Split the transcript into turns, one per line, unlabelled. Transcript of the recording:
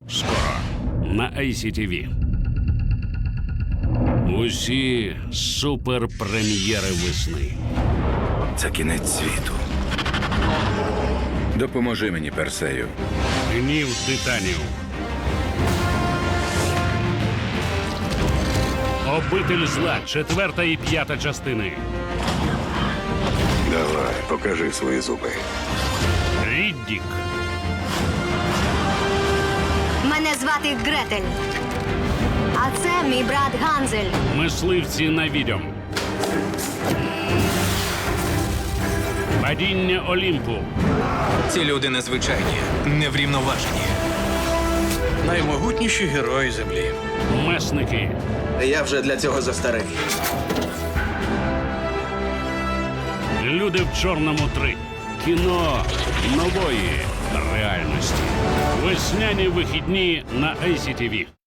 Скоро на ICTV. Усі суперпрем'єри весни.
Це кінець світу. Допоможи мені, Персею.
Гнів титанів. Обитель зла. 4 і 5 частини.
Давай, покажи свої зуби.
Ріддік.
Мене звати Гретель. А це мій брат Ганзель.
Мисливці на відьом. Падіння Олімпу.
Ці люди незвичайні, неврівноважені.
Наймогутніші герої землі.
Месники.
Я вже для цього застарий.
Люди в чорному 3. Кіно нової реальності. Весняні вихідні на ICTV.